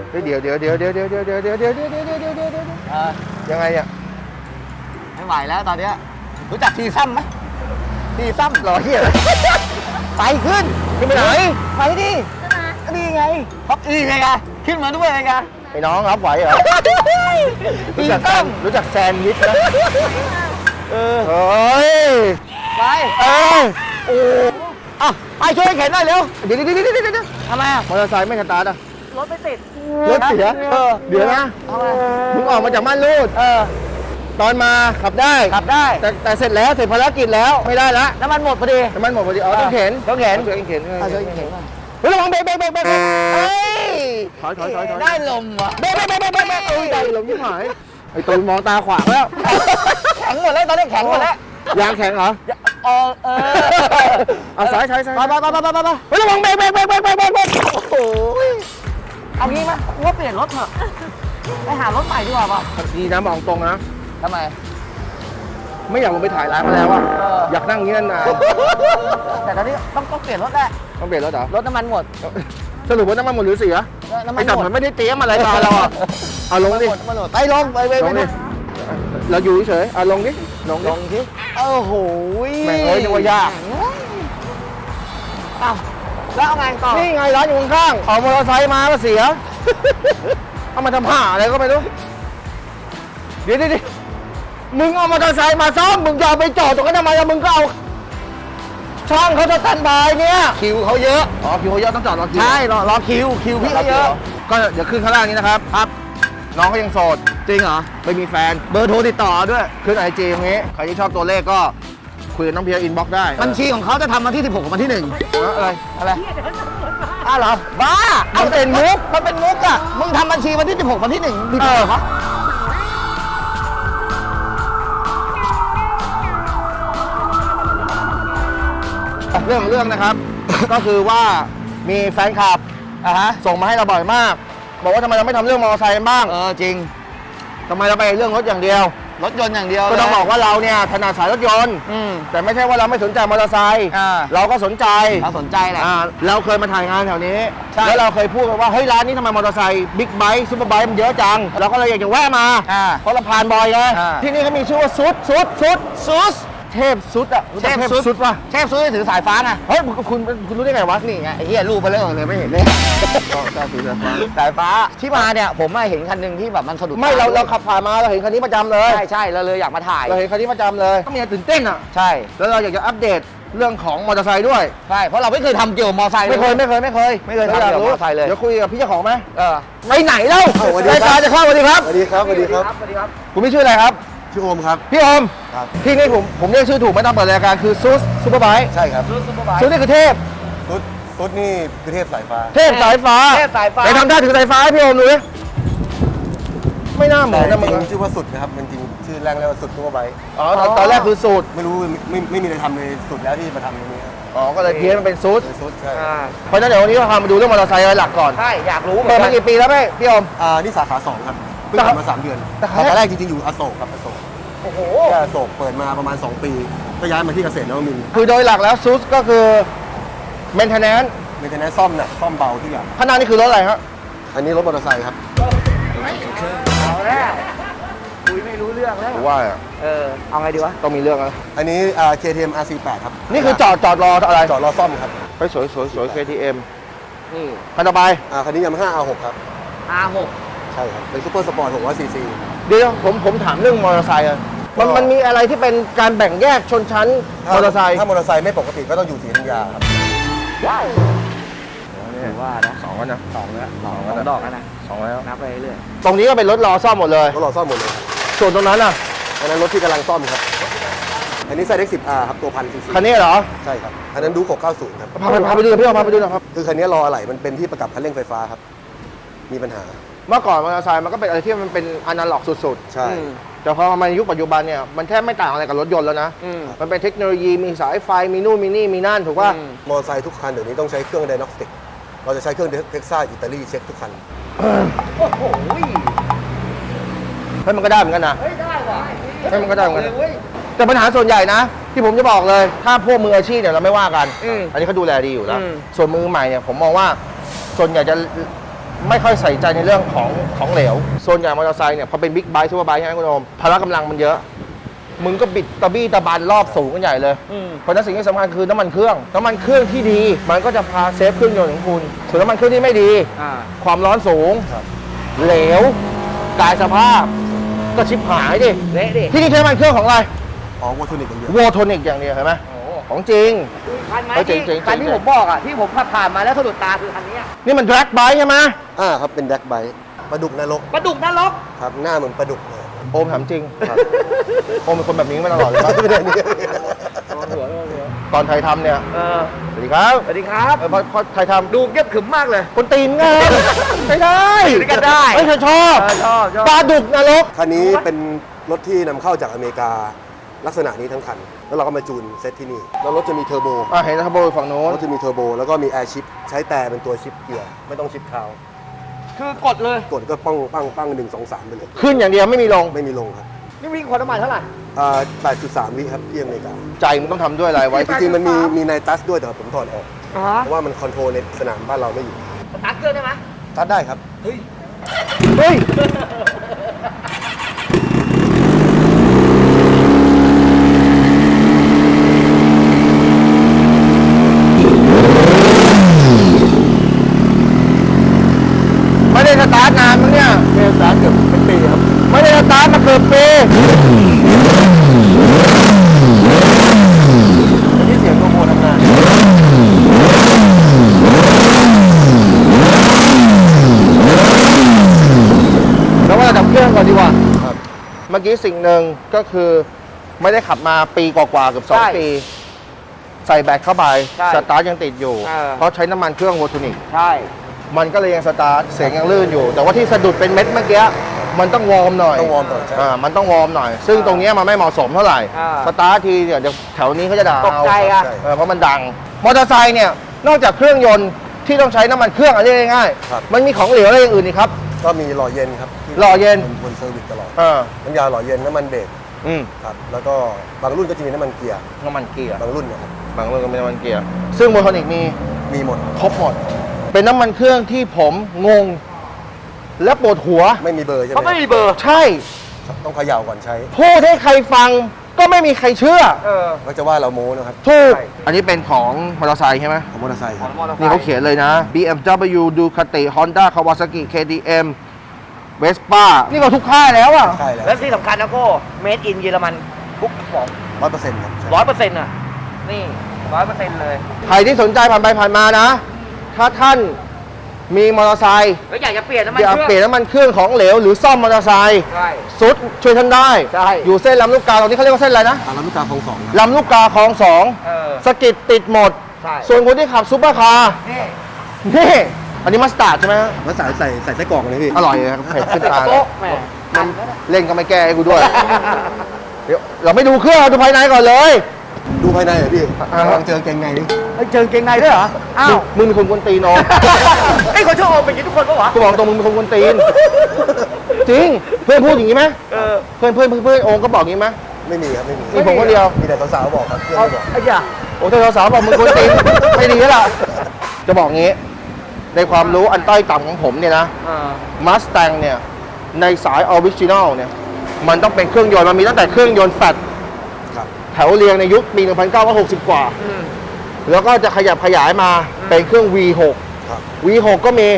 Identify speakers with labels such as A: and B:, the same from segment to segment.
A: เดี๋ยวยังไงอ่ะ
B: ไม่ไหวแล้วตอนเนี้ยรู้จักทีซ้ำไหมทีซ้ำ
A: รอเฮีย
B: ไปขึ้นไปไหนไปดินี่ไงพับอีไงกันขึ้นมาด้วยไงกัน
A: ไอ้น้องรับไหวเหรอรู้จักแซนด์วิชนะเฮ้ย
B: ไปโอ้อ่ะไปช่วยเข็นหน่อยเร็วเดี๋ยวทำไมอ่ะ
A: มอเตอร์ไซค์ไม่สตาร์ทอ่ะ
B: รถไม่ติด
A: รถเสียเดี๋ยวนะมึงออกมาจากม่านรูดตอนมาขับได้แต่เสร็จแล้วเสร็จภารกิจแล้วไม่ได้ละ
B: น้ำมันหมดพอดี
A: อ๋อต้องเข็นเฮ้ยระวังเบรก
B: เฮ้ย
A: ถอย
B: ได้ลมว่ะ
A: เบรกได้ลมยิ่งหายไอ้ตูนมองตาขวางแล้ว
B: แข็งหมดแล้วตอนนี้แข็งหมดแล้ว
A: ยางแข็งเหรอเอาซ้ายไปเฮ้ยระวังเบรก
B: โอ้ยเอางี้มั้ยว่าเปลี่ยนรถเถอะไปหารถใหม่ดีกว่าป่ะ
A: ดีนะมองตรงนะ
B: ทำไม
A: ไม่อยากลงไปถ่ายร้านมาแล้วอะอยากนั่งอย่างนี้นาน
B: แต่ตอนนี้ต้องเปลี่ยนรถแหละ
A: ต้องเปลี่ยนรถเหรอ
B: รถน้ำมันหมด
A: สรุปว่าน้ำมันหมดหรือเสีย
B: น้ำมัน
A: หมดมันไม่ได้เตรียมอะไรมาเราอะเอาลงดิ
B: ไปลงดิ
A: เราอยู่เฉยเอาลงดิ
B: ลงดิโอ้โห
A: แม่งนึกว่ายาก
B: อ้าวแล้วเอาไงต่อ
A: นี่ไงร้านอยู่ข้างๆเอามอเตอร์ไซค์มาก็เสียเอามาทำห่าอะไรก็ไม่รู้เดี๋ยวมึงเอามอเตอร์ไซค์มาซ่อมมึงจะเอาไปจอดตรงนั้นทำไมมึงก็เอาช่างเขาจะตันบายเนี่ย
B: คิวเขาเยอะ
A: คิวเขาเยอะต้องจอดรอคิว
B: ใช่รอคิวพี่เขาเยอะ
A: ก็เดี๋ยวขึ้นข้างล่างนี้นะครับน้องเขายังโสด
B: จริงเหรอ
A: ไม่มีแฟน
B: เบอร์โทรติดต่อด้วย
A: ขึ้นไอจีตรงนี้ใครที่ชอบตัวเลขก็คุยกับน้องเพียร์อินบ็อกซ์ได้
B: บัญชีของเขาจะทำวันที่16กับวันที่1อะไรเหรอบ้า
A: มันเป็นมุก
B: อ่ะมึงทำบัญชีวันที่16วันที่1ดีเหรอ
A: เรื่องนะครับ ก็คือว่ามีแฟนคลับส่งมาให้เราบ่อยมากบอกว่าทำไมเราไม่ทำเรื่องมอเตอร์ไซค์กันบ้าง
B: จริง
A: ทำไมเราไปเรื่องรถอย่างเดียว
B: รถยนต์อย่างเดียว
A: ก็ต้องบอกว่าเราเนี่ยถนัดสายรถยนต์แต่ไม่ใช่ว่าเราไม่สนใจมอเตอร์ไซค์เราก็สนใจ
B: แหละ
A: เราเคยมาถ่ายงานแถวนี้แล้วเราเคยพูดว่าเฮ้ยร้านนี้ทำไมมอเตอร์ไซค์บิ๊กไบค์ซุปเปอร์ไบค์มันเยอะจังเราก็เลยอยากจะแวะมาเพราะเราผ่านบ่อยไงที่นี่เขามีชื่อว่าซุดเทพซุดอ่ะ
B: เทพซุดป่ะเทพซุดถือสายฟ้าไง
A: เฮ้ยคุณรู้ได้ไงวะ
B: นี่ไงไอ้เหี้ยรูปไปเลยไม่เห็นเลยสายฟ้าที่มาเนี่ยผมเห็นคันหนึ่งที่แบบมันสะดุด
A: ไม่เราขับผ่านมาเราเห็นคันนี้ประจำเลย
B: ใช่เราเลยอยากมาถ่าย
A: เราเห็นคันนี้ประจำเลยก็มีตื่นเต้นอ่ะ
B: ใช่
A: แล้วเราอยากจะอัปเดตเรื่องของมอเตอร์ไซค์ด้วย
B: ใช่เพราะเราไม่เคยทำเกี่ยวกับมอเตอร์ไซค์
A: ไม่เคยทำเกี่ยวกับมอเต
B: อร์ไซค์เลย
A: เดี๋ยวคุยกับพี่เจ้าของไหม
B: ไปไหนเล่าร
A: ายการจะเข้าสวัสดีครับคุณพี่ชื่ออะไรครับ
C: ชื่อโอมครับ
A: พี่โอมที่นี่ผมเรียกชื่อถูกไม่ต้องเปิดรายการคือซุปเปอร์ไบค์
C: ใช่ครับ
A: ซุนี่คือเทพ
C: ซุดนี่คือเทพสายฟ้า
A: ไปทำท่าถือสายฟ้าให้พี่โอมดูดิไม่น่าเหมือนนะมึง
C: ชื่อว่าสุดนะครับมันจริงชื่อแรงเรียกว่าสุดซุปเปอร์ไบค์
A: ตอนแรกคือสูตร
C: ไม่รู้ไม่มีอะไรทำเลยสุดแล้วที่มาทำตรงนี้
A: ก็เลยเพี้ยนมันเป็นซุด
C: ใช่
A: เพราะฉะนั้นเดี๋ยววันนี้เราพามาดูเรื่องมอเตอร์ไซค์หลักก่อน
B: ใช่อยากรู้
A: เปิดมากี่ปีแล้วพี่โอม
C: นี่สาขา2ครับเพิ่งเปิดมา3 เดือนสาขาแรกจริงๆอยู่อโศกครับอโศก
B: โอ้โห
C: อโศกเปิดมาประมาณ2 ปีก็ย้ายมาที่เกษตรนวมินทร์
A: คือโดยหลักแล้วซุดก็คือเมนเทนแนนซ์
C: ซ่อมหนักซ่อมเบาทุกอย่าง
A: ข้างหน้านี่คือรถอะไรครับ
C: อันนี้รถมอเตอร์ไซค์ครับ
B: เอาแล้วคุยไม่รู้เรื่องแล้ว
A: ว่า
B: เอาไงดีวะ
A: ต้องมีเรื่องแล้ว
C: อันนี้ KTM RC8 ครับ
A: นี่คือจอดรออะไร
C: จอดรอซ่อมครับ
A: ไปสวย KTM นี่คันต่อไป
C: คันนี้Yamaha R6 ครับ
B: R6
C: ใช่ครับเป็นซุปเปอร์สปอร์ต600cc
A: เดี๋ยวผมถามเรื่องมอเตอร์ไซค์มันมีอะไรที่เป็นการแบ่งแยกชนชั้นมอเตอร์ไซค์
C: ถ้ามอเตอร์ไซค์ไม่ปกติก็ต้องอยู่ศรีธัญญาครับ
B: ว้าวว่านะ
A: 2แล้วนะ
B: 2แล้ว2ดอกแล้วนะ
A: 2แล้ว
B: นับไปเรื่อย
A: ตรงนี้ก็เป็นรถรอซ่อมหมดเลย
C: รถรอซ่อมหมดเลย
A: ส่วนตรงนั้น
C: อันนั้นรถที่กำลังซ่อมครับอันนี้ไซเด็ก 10R ครับตัว1,000cc
A: คันนี้เหรอ
C: ใช่ครับอันนั้นดู690ครับ
A: พาไปดูพี่พาไปดูหน่อยครับ
C: คือคันนี้รออะไรมันเป็นที่ประกับคันเร่งไฟฟ้าครับมีปัญหา
A: เมื่อก่อนมอเตอร์ไซค์มันก็เป็นอะไรที่มันเป็นอนาล็อกสุด
C: ๆใช่
A: แต่พอมาในยุคปัจจุบันเนี่ยมันแทบไม่ต่างอะไรกับรถยนต์แล้วนะมันเป็นเทคโนโลยีมีสายไฟมีนู่นมีนี่มีนั่นถูกป่ะ
C: มอเตอร์ไซค์ทุกคันเดี๋ยวนี้ต้องใช้เครื่องไดโนสติกเราจะใช้เครื่องเท็กซัสอิตาลีเช็คทุกคัน
B: โอ้โห
A: ให้มันก็ได้เหมือนกันนะ
B: ได้ว่ะ
A: ให้มันก็ได้เหมือนกันแต่ปัญหาส่วนใหญ่นะที่ผมจะบอกเลยถ้าพวกมืออาชีพเนี่ยเราไม่ว่ากันอันนี้เขาดูแลดีอยู่แล้วส่วนมือใหม่เนี่ยผมมองว่าส่วนใหญ่จะไม่ค่อยใส่ใจในเรื่องของเหลวส่วนใหญ่มอเตอร์ไซค์เนี่ยพอเป็นบิ๊กไบค์ซูเปอร์ไบค์ใช่ไหมคุณโอมพละกำลังมันเยอะมึงก็บิดตะบี้ตะบันรอบสูงกันใหญ่เลยเพราะฉะนั้นสิ่งที่สำคัญคือน้ำมันเครื่องที่ดีมันก็จะพาเซฟเครื่องยนต์ของคุณส่วนน้ำมันเครื่องที่ไม่ดีความร้อนสูงเหลวกายสภาพก็ชิบหายดิเละดิที่นี่ใช้น้ำมันเครื่องของอะไร
C: อ๋อวอโทนิกอย่างเดียว
A: วอโทนิกอย่างเดียวเห็นไหมของจริง
B: คันไหม
A: จริง
B: คันที่ผมบอกอ่ะที่ผมขับผ่านมาแล้วสะดุดตาคือคันนี้
A: นี่มันแดร็กไบค์ใช่ไหม
C: ครับเป็นแดกไบค์ปลาดุกนรก
B: ปลาดุกนรก
C: ครับหน้าเหมือนปลาดุกเลย
A: โอมถามจริงโอมเป็นคนแบบนี้มาตลอดเลยปะ
C: ไม่ได้นี่
A: ตอนไทยทำเนี่ยสวัสดีครับ
B: สวัสดีครับ
A: พอไทยทำ
B: ดูเก็บขึมมากเลย
A: คนตีนไงไม่ได้
B: อยู่ด้วยกันได้
A: ไม่เคยชอบ
B: ชอบ
A: ปลาดุกนรก
C: คันนี้เป็นรถที่นำเข้าจากอเมริกาลักษณะนี้ทั้งคัน แล้วเราก็มาจูนเซตที่นี่แล้วรถจะมีเทอร์โบ
A: เห็นทับโบฝั่งโน้น
C: รถจะมีเทอร์โบแล้วก็มีแอร์ชิปใช้แต่เป็นตัวชิปเกียร์ไม่ต้องชิปเท้า
B: คือกดเลย
C: กดก็ปั้ง1 2 3ไปเลย
A: ขึ้นอย่างเดียวไม่มีลง
C: ไม่มีลงครับ
B: นี่วิ่งความน้ำมันเท่าไหร่
C: 8.3 วิครับที่อเมริกา
A: ใจมันต้องทำด้วยอะไรไว้
C: จริงๆมันมีไนตัสด้วยแต่ผมถอดออก
B: อ๋อ
C: เพราะว่ามันคอนโทรลในสนามบ้านเราไม่อยู่
B: ตักเครื่องได้ไหม
C: ตัดได้ครับ
B: เฮ้ย
A: เฮ้ยไม่ได้สตาร์ทนานมั้งเนี่ยไม่ได้สตาร์ทเกือบเป็นปีครับไม่ได้สตาร์ทมาเกือบปีนี่เสียงโมโหทำงานแล้วว่าดับเครื่องก่อนดีกว่า
C: ครับ
A: เมื่อกี้สิ่งหนึ่งก็คือไม่ได้ขับมาปีกว่าๆเกือบ2 ปี ใส่แบตเข้าไป สตาร์ทยังติดอยู่ เพราะใช้น้ำมันเครื่องวอโทนิก
B: ใช่
A: มันก็เลยยังสตาร์ทเสียงยังลื่นอยู่ แต่ว่าที่สะดุดเป็นเม็ดเมื่อกี้มันต้องวอร์มหน่อย
C: ต้องวอร์มก่อนใช่
A: มันต้องวอร์มหน่อย ซึ่งตรงเนี้ยมันไม่เหมาะสมเท่าไหร่ สตาร์ททีเนี่ยเดี๋ยวแถวนี้เขาจะด่า
B: ตกใจอ่ะ
A: เพราะมันดัง มอเตอร์ไซค์เนี่ยนอกจากเครื่องยนต์ที่ต้องใช้น้ำมันเครื่องอะไรง่ายๆมันมีของเหลวอะไรอย่างอื่นอีกครับ
C: ก็มีหล่อเย็นครับที่
A: หล่อเย็น
C: บนเซอร์วิสตลอด
A: เออ
C: น้ำยาหล่อเย็นน้ำมันเบรก
A: อืม
C: ครับแล้วก็บางรุ่นก็จะมีน้ำมันเกียร์
A: น้ำมันเกียร์
C: บางรุ่นนะครับ
A: บางเรื่องก็เป็นน้ำมันเกียร์ซึ่งวอโทนิกมี
C: หมด
A: ครบหมด เป็นน้ำมันเครื่องที่ผมงง และปวดหัว
C: ไม่มีเบอร์ใช่ไหม
B: เขาไม่มีเบอร์
A: ใช่
C: ต้องเขย่าก่อนใช้
A: พูดให้ใครฟังก็ไม่มีใครเชื่อ
C: ก็จะว่าเราโม้นะครับ
A: ถูก อันนี้เป็นของมอเตอร์ไซค์ใช่ไหม
C: ของมอเตอร์ไซค์ครับ
A: นี่เขาเขียนเลยนะ BMW Ducati Honda Kawasaki KTM Vespa นี่ก็ทุกค่ายแล้วอ่ะ
C: ใช่แล้ว
B: และที่สำคัญนะโก้เมดอินเยอรมันทุกของ
C: 100%ครับใช่
B: 100%อ่ะ นี่100%เลย
A: ใครที่สนใจผ่านไปผ่านมานะ ถ้าท่านมีมอเตอร์ไซค์
B: แล้วอยากจะเปลี่ยนน้ำมัน
A: อยาก
B: เครื่อง
A: เปลี่ยนน้ำมันเครื่องของเหลวหรือซ่อมมอเตอร์ไซค์
B: ใช่
A: สุดช่วยท่านได้
B: ใช่
A: อยู่เส้นลำลูกกาตรงนี้เขาเรียกว่าเส้นอะไรนะ
C: ลำลูกกาคลอง2ครับ
A: ลำลูกกาคลองสอง สกิดติดหมด
B: ใช่
A: ส่วนคนที่ขับซุปเปอร์คาร์
B: นี่
A: นี่อันนี้มัสตาร์ดใช่ไหมฮะ
C: แล้วใส่ไส้กรอกเลยพี่
A: อร่อยเลยครับเผ็ดขึ้นตาเลย
B: โป๊ะแหมมัน
A: เล่นก็ไม่แก้ให้กูด้วย เดี๋ยวเราไม่ดูเครื่องเราดูภายในก่อนเลย
C: ดูภายในเหรอพี่
A: อ่า
C: กำลังเจอเกงในนี่
B: เจอเกงในด้วยเหรอ อ้าว
A: มึงเป็นคนกวนตีนน้อง
B: ไอ้คนชอบเอาเป็นอย่างนี้ทุกคนปะวะ
A: กูบอกตรงมึงเป็นคนกวนตีน จริง เพื่อนพูดอย่างนี้ไหม เพื่อนโองก็บอกอย่างนี้ไหม
C: ไม่มีครับไม่มี
A: มีผมคนเดียว
C: มีแต่สาวๆบอกครับเพื่อน
B: เอา
C: ไม่บอก
B: ไอ้ย่า
A: โอ้เธอสาวบอกมึงกวนตีน ไม่ดีแล้วล่ะ จะบอกงี้ ในความรู้อันต้อยต่ำของผมเนี่ยนะ มาส t ต n งเนี่ย ในสายออริจินอลเนี่ย มันต้องเป็นเครื่องยนต์ มันมีตั้งแต่เครื่องยนต์แฟต
C: ครับ
A: แถวเรียงในยุคปี 1960 กว่า แล้วก็จะขยับขยายมาเป็นเครื่อง V6
C: ครับ
A: V6 ก็มี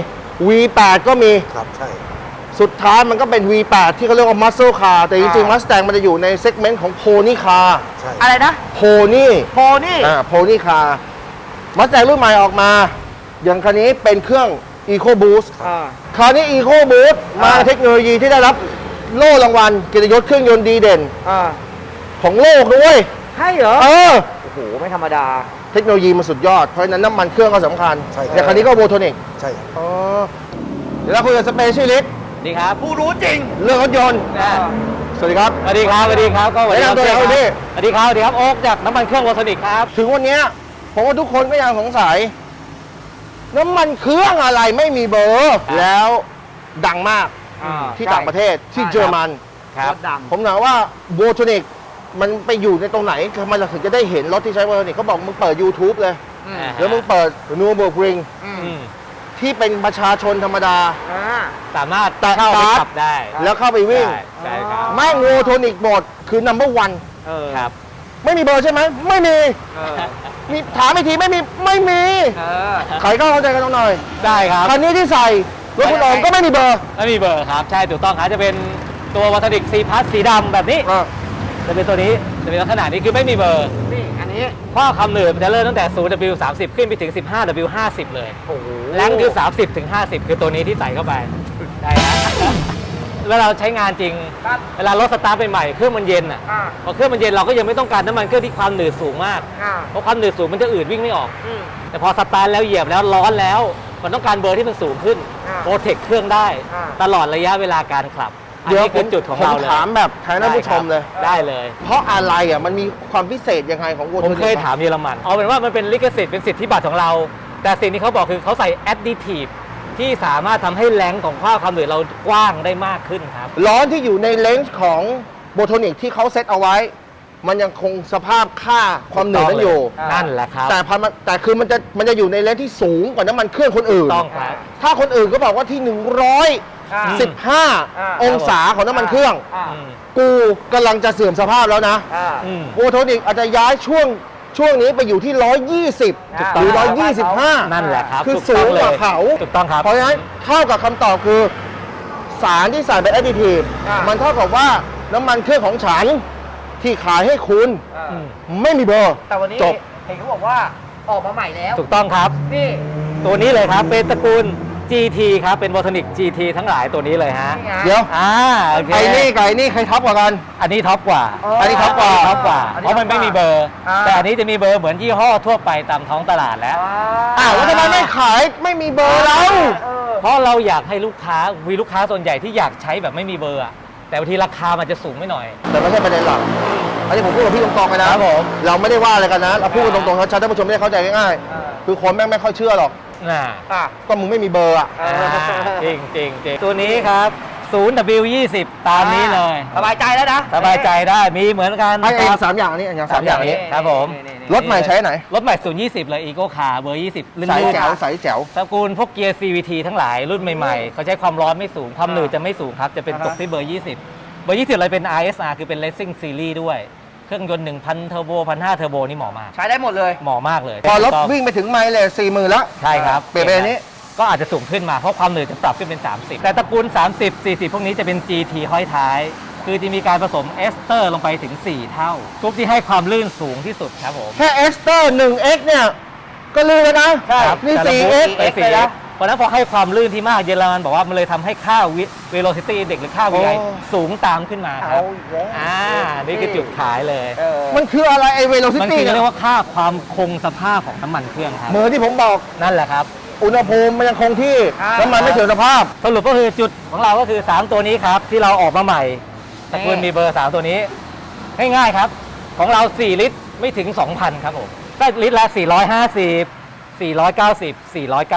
A: V8 ก็มี
C: ครับใช่
A: สุดท้ายมันก็เป็น V8 ที่เขาเรียกว่า Muscle Car แต่จริงๆ Mustang มันจะอยู่ในเซกเมนต์ของ Pony Car
C: ใช่
B: อะไรนะ
A: Pony
B: โพนี่
A: Pony Car Mustang รุ่นใหม่ออกมา อย่างคันนี้เป็นเครื่อง EcoBoost คราวนี้ EcoBoost มาเทคโนโลยีที่ได้รับโล่รางวัลเกียรติยศเครื่องยนต์ดีเด่นของโลกด้วย
B: ให้เหรอ
A: เออ
B: โอ้โห ไม่ธรรมดา
A: เทคโนโลยีมันสุดยอด เพราะฉะนั้นน้ำมันเครื่องก็สำคัญ
C: ใช่ครับ
A: อย่างคันนี้ก็โวโทนิก
C: ใช่ครับ
A: อ๋อ เดี๋ยวเราคุยกับสเปเชียลิสต์
B: ดีครับ ผู้รู้จริง
A: เรื่องรถยนต์ สวัสดีครับ
B: สวัสดีครับสวัสดีครับ ก็สวัสดีครับ
A: แนะนำตัวหน่อยครับพี่
B: สวัสดีครับสวัสดีครับโอ๊คจากน้ำมันเครื่องวอทนิกครับ
A: ถึงวันเนี้ยผมว่าทุกคนก็ยังสงสัย น้ำมันเครื่องอะไรไม่มีเบอร์ แล้วดังมากที่ต่างประเทศที่เยอรมัน
B: ครับดัง
A: ผมถามว่าโวโทนิกมันไปอยู่ในตรงไหนทำไมเราถึงจะได้เห็นรถที่ใช้โวโทนิกเขาบอกมึงเปิด YouTube เลย แล้วมึงเปิดนูเบิร์กริงทที่เป็นประชาชนธรรมดา
B: สามารถ
A: แตะ
B: เข้าไป
A: การ์ด
B: ขับได้
A: แล้วเข้าไปวิ่ง
B: ใช่ครับ
A: แม่งโวโทนิกโหมดคือ number one
B: ครับ
A: ไม่มีเบอร์ใช่ไหมไม่มีมีถามอีกทีไม่มีไม่มีใครก็เข้าใจกันหน่อย
B: ได้ครับ
A: คันนี้ที่ใส่รถคุณโอมก็ไม่มีเบอร์
B: ไม่มีเบอร์ครับ ใช่ถูกต้องครับจะเป็นตัววัตดิกซีพัสสีดำแบบนี้ จะเป็นตัวนี้จะเป็นลักษณะนี้คือไม่มีเบอร์
D: นี่อันนี้
B: ข้อคำหนืดมันจะเริ่มตั้งแต่ 0W30 ขึ้นไปถึง 15W50 เลย
D: โอ้โห
B: แรงคือ 30 ถึง 50 คือตัวนี้ที่ใส่เข้าไปได้ฮะ เวลาเราใช้งานจริง
D: ครับ
B: เวลารถสตาร์ทใหม่ๆเครื่องมันเย็นอ่ะ
D: อ่า
B: พอเครื่องมันเย็นเราก็ยังไม่ต้องการน้ำมันเครื่องที่ความหนืดสูงมาก
D: อ่า
B: เพราะความหนืดสูงมันจะอืดวิ่งไม่ออก
D: อืม
B: แต่พอสตาร์ทแล้วเหยียบแล้วร้อนแล้ว มันต้องการเบอร์ที่มันสูงขึ้น
D: อ่า
B: โปรเทคเครื่องได้
D: อ่า
B: ตลอดระยะเวลาการขับ อัน
A: เดี๋ยว
B: นี้คือจุดของเราเลย
A: ผมถามแบบแทนท่านผู้ชมเลย
B: ได้เลย
A: เพราะอะไรอ่ะมันมีความพิเศษยังไงของโวโท
B: ผม
A: นิก
B: เคยถามเยอรมัน เอาเป็นว่ามันเป็นลิขสิทธิ์เป็นสิทธิบัตรของเรา แต่สิ่งที่เขาบอกคือเขาใส่แอดดิทีฟที่สามารถทำให้แรงของข้าวคำหนืดเรากว้างได้มากขึ้นครับ
A: ล้อที่อยู่ในเลนส์ของโวโทนิกที่เขาเซตเอาไว้ มันยังคงสภาพค่าความหนืดนั้นอยู่
B: นั่นแหละครับ
A: แต่คือมันจะอยู่ในเลนส์ที่สูงกว่าน้ำมันเครื่องคนอื่น
B: ต้องครับ
A: ถ้าคนอื่นก็บอกว่าที่ 115 องศาของน้ำมันเครื่อง
D: อ่า
B: อืม
A: กูกำลังจะเสื่อมสภาพแล้วนะ
D: อ่า
B: อืม
A: โวโทนิกอาจจะย้ายช่วงนี้ไปอยู่ที่ 120 หรือ 125
B: นั่นแหละครับ
A: คือ
B: ถู
A: สูง
B: ต้
A: กว่า
B: ลย
A: เขา
B: ถูกต้องครับ
A: เพราะฉะนั้นเท่ากับคำตอบคือ สารที่ใส่เป็นแอดดิทีฟ
D: อ่ามั
A: มันเท่ากับว่าน้ำมันเครื่องของฉันที่ขายให้คุณ
D: อ่า
B: อืม
A: ไม่มีเบอร์
D: แต่วันนี้
A: จบ
D: เห็นเขาบอกว่าออกมาใหม่แล้ว
B: ถูกต้องครับ
D: นี่
B: ตัวนี้เลยครับเป็นตระกูล GT ครับเป็นวอทนิก GT ทั้งหลายตัวนี้เลยฮะ
D: นี่ไง
A: เดี๋ยว
B: โอเค
A: ไอ้นี่กับไอ้นี่ใครท็อปกว่ากัน
B: อันนี้ท็อปกว่า
D: อ๋ออั
A: นนี้ท็อปกว่า
B: ท็อปกว่า
D: อันนี้
B: เพราะมันไม่มีเบอร์
D: อ่า
B: แต่อันนี้จะมีเบอร์เหมือนยี่ห้อทั่วไปตามท้องตลาดแล้ว
A: แล้วทำไมไม่ขายไม่มีเบอร์เรา
D: เออ
B: เพราะเราอยากให้ลูกค้ามีลูกค้าส่วนใหญ่ที่อยากใช้แบบไม่มีเบอร์อะแต่บางทีราคามันจะสูงไม่หน่อย
A: แต่ไม่ใช่ประเด็นหลักอันนี้ผมพูดกับพี่ตรงๆเลยนะครับ
B: ผม
A: เราไม่ได้ว่าอะไรกันนะ เราพูดกันตรงๆชัดๆท่านผู้ชมไม่ได้เข้าใจง่าย
D: อ่า
A: ๆคือคนแม่งไม่ค่อยเชื่อหรอก
B: น่ะ
D: อ่ะ
A: ก็มึงไม่มีเบอร์อ่ะ
B: จริงจริงจริงตัวนี้ครับ 0W20 ตามนี้เลย
D: สบายใจแล้วนะ
B: สบายใจได้มีเหมือนกัน
A: ไอ้สามอย่างนี้อย่างสามอย่างนี้
B: ครับผม
A: รถใหม่ใช้ไหน
B: รถใหม่020 เลย Eco Car เบอร์ 20ลื่น
A: ใส
B: ๆ
A: แจ๋วใสแจ๋ว
B: ตระกูลพวกเกียร์ CVT ทั้งหลายรุ่นใหม่ๆ เขาใช้ความร้อนไม่สูง ความหนืดจะไม่สูงครับ จะเป็นตกที่เบอร์ 20 เบอร์ 20 เลยเป็น RSR คือเป็น Racing Series ด้วย เครื่องยนต์ 1,000 เทอร์โบ 1,500 เทอร์โบนี่เหมาะมาก
D: ใช้ได้หมดเลย
B: เหมาะมากเลย
A: พอรถวิ่งไปถึงไมล์เลย40,000แล้ว
B: ใช่ครับ
A: เปลี่ยนเป็นอันนี้
B: ก็อาจจะสูงขึ้นมาเพราะความหนืดจะปรับขึ้นเป็น 30 แต่ตระกูล 30 40 พวกนี้จะเป็น GT ห้อยท้าย คือจะมีการผสมเอสเตอร์ลงไปถึง 4 เท่าทุกที่ให้ความลื่นสูงที่สุดครับผม
A: แค่เอสเตอร์ 1X เนี่ยก็ลือแล้วนะ
B: ครับ
A: นี่
B: แต่ละบูธ
A: 4X
B: ไป 4X เพราะฉะนั้นพอให้ความลื่นที่มากเยอรมันบอกว่ามันเลยทำให้ค่า velocity index หรือค่า VI
A: โอ้
B: สูงตามขึ้นมาครับ
D: เอาอีกแล้ว
B: นี่คือจุดขายเลย
D: เออ
A: มันคืออะไรไอ้เวโรซิ
B: มัน
A: ตี้
B: คือเรียกว่าค่าความคงสภาพของน้ำมันเครื่องครับ
A: เหมือนที่ผมบอก
B: นั่นแหละครับ
A: อุณหภูมิมันยังคงที่
D: อ่า
A: น้ำมันไม่เสื่อมสภาพ
B: สรุปก็คือจุดของเราก็คือ 3 ตัวนี้ครับ ที่เราออกมาใหม่ตระกูลมีเบอร์ 3 ตัวนี้ ง่ายๆครับ ของเรา 4 ลิตรไม่ถึง 2,000 ครับผมก็ลิตรละ 450 490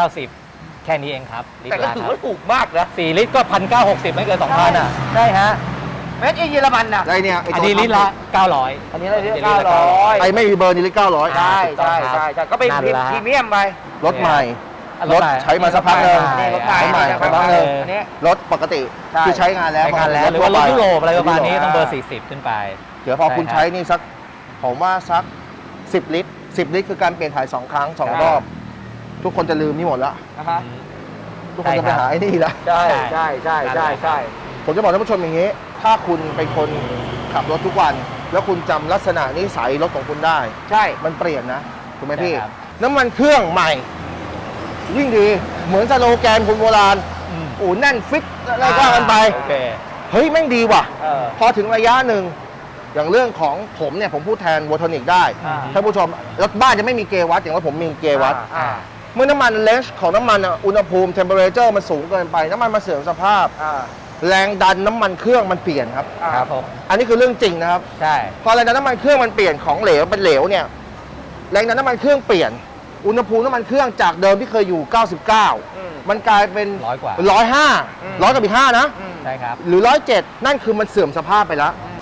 B: 490 แค่นี้เองครับลิต
D: แต่
B: ร
D: ก็
B: ละ
D: ถือ
B: ครั
D: ว่าถูกมากนะ
B: บ4ลิตรก็ 1,960 ไม่เกิน 2,000 อ่ะใช่ฮะ
D: เมดอินเยอรมันน่ะ
A: ไอ้เนี่ยไ
B: อันนี้ลิตรละ 900
D: อันนี้เราเรียก
B: อันนี้ลิตรละ
D: 900
A: ไอ้ไม่มีเบอร์นี่ลิตร900
D: ใช่
B: ถูกต้อ
D: ใช่
B: งครับ
D: ใช่ใช่ก็เป็น
B: นั่นละ
D: พรีเมียมไป
A: รถใหม่
B: อ่ะ
A: รถใช้มาสักพักหนึ่ง
D: นี่รถใหม่
A: รถใหม่
D: นี่
A: สักพักหนึ่ง
D: อันนี้
A: รถปกติ
D: ใช่
A: ที่ใช้งานแล้ว
B: ใช้งานแล้วหรือว่ารถยุโรปอะไรประมาณนี้ต้องเบอร์
D: อ่า
B: 40 ขึ้นไป
A: เดี๋ยวพอคุณ
B: ใช่ครับ
A: ใช้นี่สักผมว่าสัก10 ลิตร 10 ลิตรคือการเปลี่ยนถ่าย2 ครั้ง 2 รอบ ทุกคนจะลืมนี่หมดแล้ว
D: นะฮะ
A: ทุกคนจะไปหาไอ้นี่ละ
D: ใช่ใช่ใช่ใช่ใช่
A: ผมจะบอกท่านผู้ชมอย่างนี้ ถ้าคุณเป็นคนขับรถทุกวัน แล้วคุณจำลักษณะนิสัยรถของคุณได้
D: ใช่
A: มันเปลี่ยนนะถูกไหมพี่
B: ใช่ครับ
A: น้ำมันเครื่องใหม่ ยิ่งดีเหมือนสโลแกนคนโบราณ
B: อืม
A: โอ้แน่นฟิตอะไรก็ว่ากันไป
B: โอเค
A: เฮ้ยแม่งดีว่ะ
D: เออ
A: พอถึงระยะหนึ่งอย่างเรื่องของผมเนี่ยผมพูดแทนวอทอนิกได้
D: อ่า
A: ท่านผู้ชมรถบ้านจะไม่มีเกวัตอย่างว่าผมมีเกวัต
D: อ่า
A: เมื่อน้ำมันเลนส์ของน้ำมันอะอุณหภูมิเทมเปอเรเจอร์มันสูงเกินไป น้ำมันมาเสื่อมสภาพ
D: อ่า
A: แรงดันน้ำมันเครื่องมันเปลี่ยนครับ
D: อ่า
B: ครับผม
A: อันนี้คือเรื่องจริงนะครับ
B: ใช่
A: พอแรงดันน้ำมันเครื่องมันเปลี่ยนของเหลวเป็นเหลวเนี่ยแรงดันน้ำมันเครื่องเปลี่ยน อุณหภูมิน้ำมันเครื่องจากเดิมที่เคยอยู่ 99 มันกลายเป็น
B: 100 กว่า
A: 105 100กับอีก5นะ
D: อืม
B: ใช่ครับ
A: หรือ107นั่นคือมันเสื่อมสภาพไปแล้ว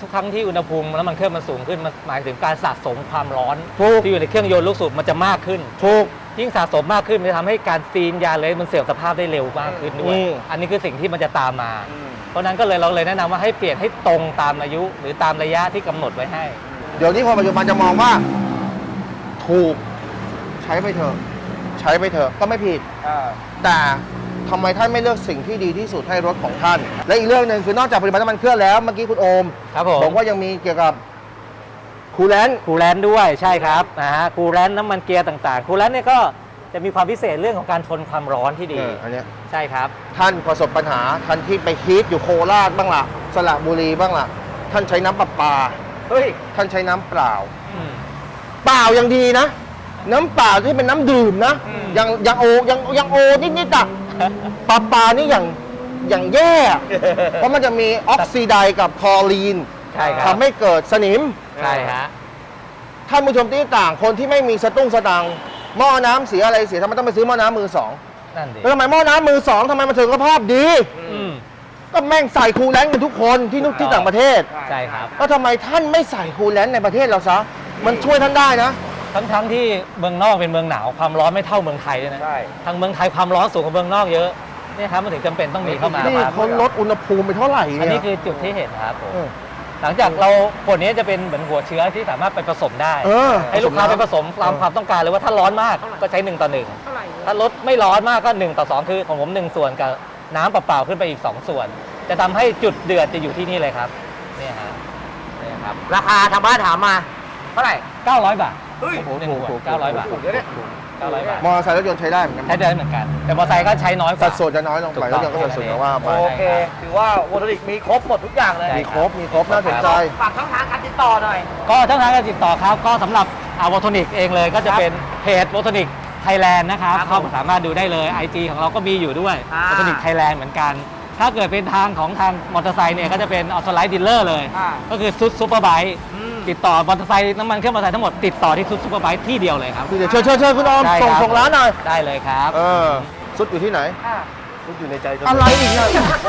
B: ทุกครั้งที่อุณหภูมิแล้วมันเครื่องมันสูงขึ้นมันหมายถึงการสะสมความร้อน
A: ถูก
B: ที่อยู่ในเครื่องยนต์ลูกสูบมันจะมากขึ้น
A: ถูก
B: ยิ่งสะสมมากขึ้นมันจะทำให้การซีนยาเลยมันเสื่อมสภาพได้เร็วมากขึ้นด้วย อันนี้คือสิ่งที่มันจะตามมา เพราะฉะนั้นก็เลยเราเลยแนะนำว่าให้เปลี่ยนให้ตรงตามอายุ หรือตามระยะที่กำหนดไว้ให้
A: เดี๋ยวนี้คนปัจจุบันจะมองว่า ถูกใช้ไปเถอะใช้ไปเถอะก็ไม่ผิด แต่ทำไมท่านไม่เลือกสิ่งที่ดีที่สุดให้รถของท่าน และอีกเรื่องหนึ่งคือนอกจากผลิตภัณฑ์น้ำมันเครื่องแล้วเมื่อกี้คุณโอม
B: ครับผม
A: บอกว่ายังมีเกี่ยวกับคูลแลนต์
B: คูลแลนต์ด้วยใช่ครับนะฮะคูลแลนต์น้ำมันเกียร์ต่างๆคูลแลนต์เนี่ยก็จะมีความพิเศษเรื่องของการทนความร้อนที่ดี
A: อันเนี้ย
B: ใช่ครับ
A: ท่านประสบปัญหาท่านที่ไปฮีทอยู่โคราชบ้างล่ะสระบุรีบ้างล่ะ ท่านใช้น้ำประปา
D: เฮ้ย
A: ท่านใช้น้ำเปล่า
B: อืม
A: เปล่ายังดีนะ น้ำเปล่าที่เป็นน้ำดื่มนะ ยังโอยังโอนิดๆอ่ะปลานี่อย่างแย่ เพราะมันจะมีออกซิไดกับคลอรีน
B: ใช่ครับ
A: ทำให้เกิดสนิม
B: ใช่ฮะ
A: ท่านผู้ชมที่ต่างคนที่ไม่มีสตุ้งสตังค์หม้อน้ำเสียอะไรเสียทำไมต้องไปซื้อหม้อน้ำมือสอง
B: นั่นดิ
A: แล้วทำไมหม้อน้ำมือสองทำไมมันถึงสภาพดี
B: อืม
A: ก็แม่งใส่คูลแลนต์กันทุกคนที่ต่างประเทศ
B: ใช่ครับ
A: แล้วทำไมท่านไม่ใส่คูลแลนต์ในประเทศเราซะมันช่วยท่านได้นะ
B: ทั้งที่เมืองนอกเป็นเมืองหนาวความร้อนไม่เท่าเมืองไทยด้วยนะ
D: ใช่
B: ทางเมืองไทยความร้อนสูงกว่าเมืองนอกเยอะเนี่ยครับมันถึงจำเป็นต้องมีเข้ามา
A: นี่
B: ครับ
A: เขาลดอุณหภูมิไปเท่าไหร่
B: อัน
A: เนี่
B: นี้
A: ย
B: คือจุดที่เห็นครับผม
A: เออ
B: หลังจากเราขวดนี้จะเป็นเหมือนหัวเชื้อที่สามารถไปผสมได้
A: เออ
B: ให้ลูกค้าไปผสมตามความต้องการเลยว่าถ้าร้อนมากก็ใช้1 ต่อ 1ถ้ารถไม่ร้อนมากก็1 ต่อ 2คือของผม1 ส่วนกับน้ำเปล่าๆขึ้นไปอีก2 ส่วน จะทำให้จุดเดือดจะอยู่ที่นี่เลยครับเนี่ยฮะเนี่ยครับ
D: ราคาทางบ้านถามมา เท่าไหร่
B: 900 บาท
D: เฮ้ย
B: หนึ่งขวด900 บาท
D: ถูกเดี๋ยวเนี่ย
B: 900 บาท
A: มอเตอร์ไซค์รถยนต์ใช้ได้เหมือนกัน
B: ใช้ได้เหมือนกัน แต่มอเตอร์ไซค์ก็ใช้น้อยก
A: สั
B: ว่า
A: ดส่วนจะน้อยลงไปรถยนต์ก็สัดส่วนจะว่าไป
D: โอเค ถือว่าโวลติกมีครบหมดทุกอย่างเลย
B: ใช่
A: มีครบน่าสนใจ
D: ฝากช่องทางการติดต่อหน่อย
B: ก็ช่องทางการติดต่อครับ ก็สำหรับวอทนิกเองเลยก็จะเป็นเพจวอทนิกไทยแลนด์นะครับ
D: ครับ
B: เข้าสามารถดูได้เลย IG ของเราก็มีอยู่ด้วย
D: อ่า
B: วอทนิกไทยแลนด์เหมือนกัน ถ้าเกิดเป็นทางของทางมอเตอร์ไซค์เนี่ยก็จะเป็นออโตไลท์ดีลเลอร์เลย
D: อ่า
B: ก็คือซุดซูเปอร์ไบค์
D: อืม
B: ติดต่อมอเตอร์ไซค์น้ำมันเครื่องมอเตอร์ไซค์ทั้งหมดติดต่อที่ซุดซูเปอร์ไบค์ที่เดียวเลยครับ
A: เดี๋ยวเชิญคุณออม
B: ได้
A: ส่ง
B: ครับ
A: ส่งร้านหน่อย
B: ได้เลยครับ
A: ซุดอยู่ที่ไหน
C: ทุกอยู่ในใจเสม
A: อะไรอีกเนี่ย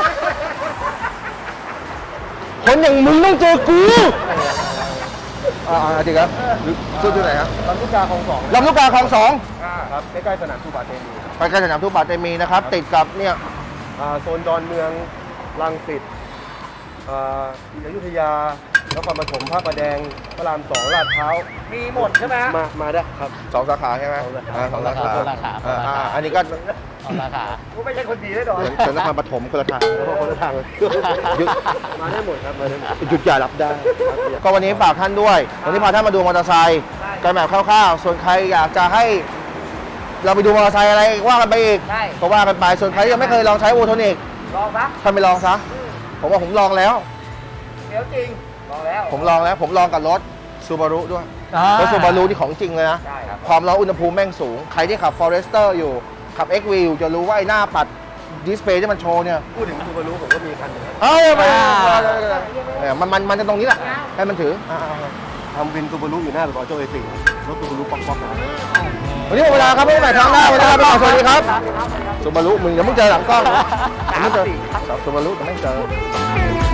A: คนอย่างมึงต้องเจอกูจริงครับซุดอยู่ไหนครับ
C: ลำลูกกาคลองสอง
A: ลำลูกกาคลองสอง
C: ครับใกล้ๆสนามทูบาเตมี
A: ไปใกล้สนามทุบาเตมีนะครับ ติดกับเนี่ย
C: โซนดอนเมืองรังสิตอยุธยานครปฐมพระประแดงพระรามสองลาดพร้าว
D: มีหมดใช่ไหมฮะ
C: มาได้ครับ
A: สองสาขาใช่ไหม
C: สองสาขา
A: สองสาขา
B: สองสาขา
A: อันนี้ก็
B: เอาราคา
D: กูไม่ใช่คนดีแน่นอน
A: เป็นนครปฐมคนละทาง
C: คนละทางเลย
A: หยุด
C: มาได้หมดครับมาได้หมด
A: หยุดอย่ารับได้ ก็วันนี้ฝากท่านด้วย วันนี้พาท่านมาดูมอเตอร์ไซค์กันแบบคร่าวๆ ส่วนใครอยากจะให้ เราไปดูมอเตอร์ไซค์อะไรว่ากันไปอีก
D: ใช่
A: ก็ว่ากันไป ส่วนใครที่ยังไม่เคยลองใช้โอโทนิก
D: ลองซะ
A: ท่านไปลองซะ ผมว่าผมลองแล้ว
D: เดี๋ยวจริง ลองแล้ว
A: ผมลองแล้ว ผมลองกับรถซูบารุด้วยรถซูบารุที่ของจริงเลยนะ
D: ใช่ครับ
A: ความร้อนอุณหภูมิแม่งสูง ใครที่ขับ Forester อยู่ ขับ XV อยู่จะรู้ว่าไอ้หน้าปัดดิสเพย์ที่มันโชว์เนี่ย
C: พูดถึงซูบารุผมก็มีคันหนึงครับ
A: เอ้ยมันจะตรงนี้แหละ ให้มันถือ
C: ทำวินซูบารุอยู่หน้าปากซอยโจ้A4รถซูบารุป๊อกๆนะครับ
A: วันนี้หมดเวลาครับไม่ใหม่ทางหน้าวันนี้ครับสวัสดีครับซูบารุมึงเดี๋ยวมึงเจอหลังกล้องเดี๋ยวมึงเจอซูบารุแต่ไม่เจอ